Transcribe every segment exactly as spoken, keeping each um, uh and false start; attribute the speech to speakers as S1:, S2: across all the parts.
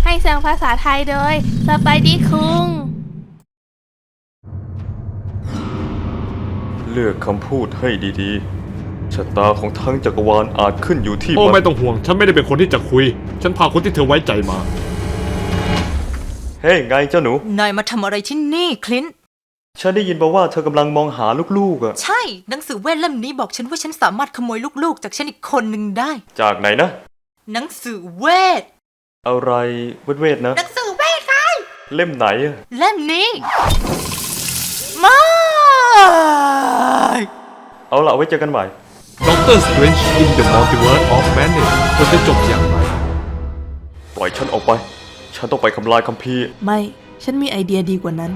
S1: ให้เสียงภาษาไทยโดยสไปดี้คุง
S2: เลือกคำพูดให้ดีๆชะตาของทั้งจักรวาลอาจขึ้นอยู่ที่
S3: โอ้ไม่ต้องห่วงฉันไม่ได้เป็นคนที่จะคุยฉันพาคนที่เธอไว้ใจมา
S2: เฮ้ hey, ไงเจ้าหนู
S4: นายมาทำอะไรที่นี่คลินต์
S2: ฉันได้ยินมาว่าเธอกำลังมองหาลูกๆอ่ะ
S4: ใช่หนังสือเวทเล่มนี้บอกฉันว่าฉันสามารถขโมยลูกๆจากฉันอีกคนหนึ่งได้
S2: จากไหนนะ
S4: หนังสือเวท
S2: อะไรเวทเวทนะ
S4: หนังสือเวทไง
S2: เล่มไหนอะ
S4: เล่มนี้มา
S2: เอาล่ะไว้เจอกันใหม่
S3: ด็อกเตอร์ Strange in the Multiverse of Madness ควรจะจบอย่างไร
S2: ปล่อยฉันออกไปฉันต้องไปทำลายคัมภีร์
S1: ไม่ฉันมีไอเดียดีกว่านั้น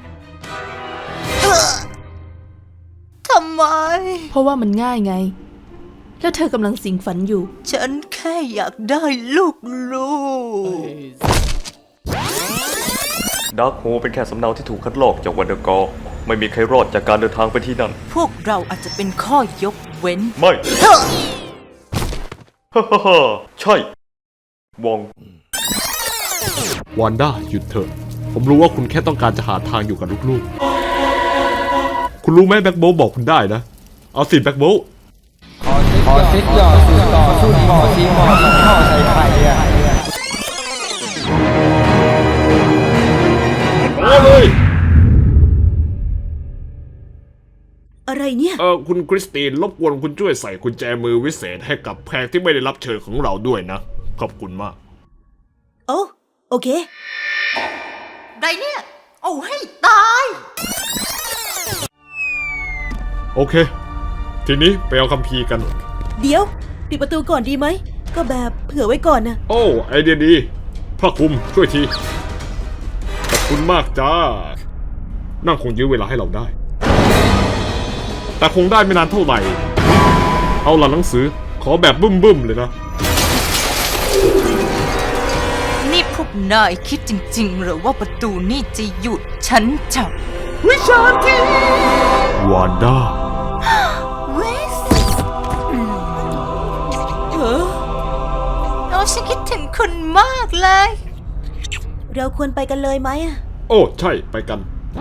S4: ทำไม
S1: เพราะว่ามันง่ายไงแล้วเธอกำลังสิงฝันอยู่
S4: ฉันแค่อยากได้ลูกลูก
S2: ดาร์คโฮเป็นแค่สำเนาที่ถูกคัดลอกจากวันเดอร์กอร์ไม่มีใครรอดจากการเดินทางไปที่นั่น
S4: พวกเราอาจจะเป็นข้อยกเว้น
S2: ไม่ฮ่าฮ่าฮ่าใช่วอง
S3: วานด้าหยุดเถอะผมรู้ว่าคุณแค่ต้องการจะหาทางอยู่กับลูกๆคุณรู้ไหมแบ็คโบว์บอกคุณได้นะเอาสิแบ็คโบว์
S5: ขอเซ็ตหยอดสูตรต่อสูตรหมอทีหมอสองห่อใส่ไข่อะ
S3: โอ้เลย
S4: อะไรเนี่ย
S3: เออคุณคริสตินรบกวนคุณช่วยใส่กุญแจมือวิเศษให้กับแขกที่ไม่ได้รับเชิญของเราด้วยนะขอบคุณมาก
S4: โอ้โอเคไรเนี่ยเอาให้ตาย
S3: โอเคทีนี้ไปเอาคัมภีร์กัน
S4: เดี๋ยวปิดประตูก่อนดีไหมก็แบบเผื่อไว้ก่อนนะ
S3: โอ้ไอเดียดีพระคุมช่วยทีขอบคุณมากจ้านั่งคงยื้อเวลาให้เราได้แต่คงได้ไม่นานเท่าไหร่เอาล่ะหนังสือขอแบบบึ้มๆเลยนะ
S4: นี่พวกนายคิดจริงๆหรือว่าประตูนี่จะหยุดฉันจับวิชาที
S3: วานด้า
S4: เวสเออเราฉันคิดถึงคุณมากเลยเราควรไปกันเลยไหมอะ
S3: โอ้ใช่ไปกัน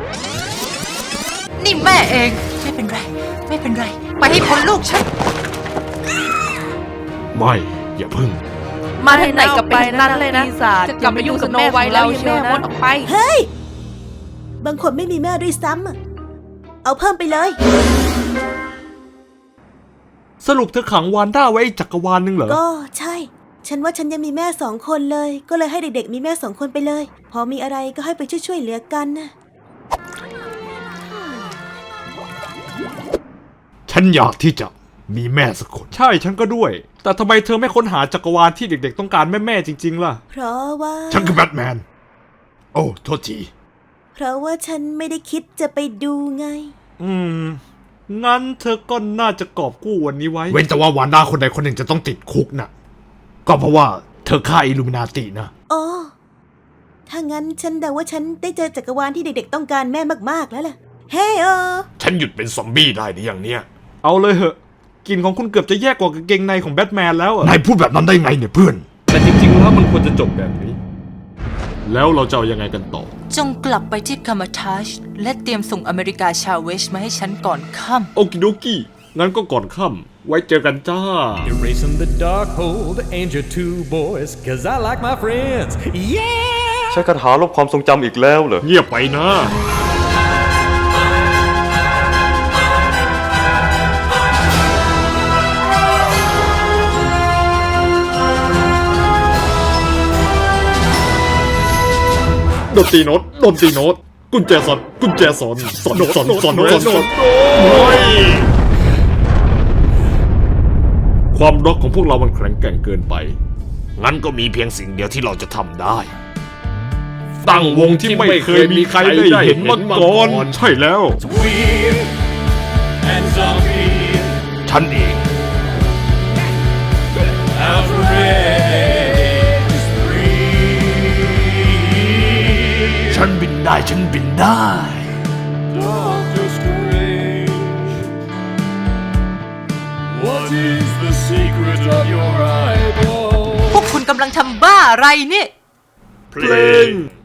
S4: นี่แม่เองไม่เป็นไรไม่เป็นไรไปให้พ้นลูกฉัน
S3: ไม่อย่าพึ่ง
S1: มาที่ไหนกับไปนั่นเลยนะจะกลับไปอยู่กับโนไวแล้วแม่วนออกไป
S4: เฮ้ยบางคนไม่มีแม่ด้วยซ้ำเอาเพิ่มไปเลย
S3: สรุปเธอขังวานด้าไว้จักรวาลนึงเหรอ
S4: ก็ใช่ฉันว่าฉันยังมีแม่สองคนเลยก็เลยให้เด็กๆมีแม่สองคนไปเลยพอมีอะไรก็ให้ไปช่วยๆเหลือกันนะ
S3: ฉันอยากที่จะมีแม่สักคนใช่ฉันก็ด้วยแต่ทำไมเธอไม่ค้นหาจักรวาลที่เด็กๆต้องการแม่ๆจริงๆล่ะ
S4: เพราะว่า
S3: ฉันคือแบทแมนโอ้โทษที
S4: เพราะว่าฉันไม่ได้คิดจะไปดูไง
S3: อืมงั้นเธอก็น่าจะกอบกู้วันนี้ไว้เว้นแต่ว่าวานด้าคนใดคนหนึ่งจะต้องติดคุกนะก็เพราะว่าเธอฆ่าอิลูมินาตินะ
S4: อ๋อถ้างั้นฉันเดาว่าฉันได้เจอจักรวาลที่เด็กๆต้องการแม่มากๆแล้วล่ะเฮ้เออ
S3: ฉันหยุดเป็นซอมบี้ได้หรือยังเนี่ยเอาเลยเหอะกลิ่นของคุณเกือบจะแย่กว่ากางเกงในของแบทแมนแล้วอ่ะนายพูดแบบนั้นได้ไงเนี่ยเพื่อนแต่จริงๆแล้วมันควรจะจบแบบนี้แล้วเราจะเอายังไงกันต่อ
S4: จงกลับไปที่คามาทาชและเตรียมส่งอเมริกาชาเวชมาให้ฉันก่อนค่ำ
S3: โอกิโดกิงั้นก็ก่อนค่ำไว้เจอกันจ้า
S6: Erasing the dark hold and your two boys cause I like my friends yeah
S2: ใช้คาถาลบความทรงจำอีกแล้วเหรอ
S3: เงียบไปนะดนตรีโน้ตดนตรีโน้ตกุญแจสอนกุญแจสอนสอนสอนสอนสอนความรักของพวกเรามันแข็งแกร่งเกินไปงั้นก็มีเพียงสิ่งเดียวที่เราจะทำได้ตั้งวงที่ไม่เคยมีใครได้เห็นมาก่อนใช่แล้วฉันเองฉันบินได้ฉันบินได้
S4: พวกคุณกำลังทำบ้าอะไรเนี่ย
S3: เพลง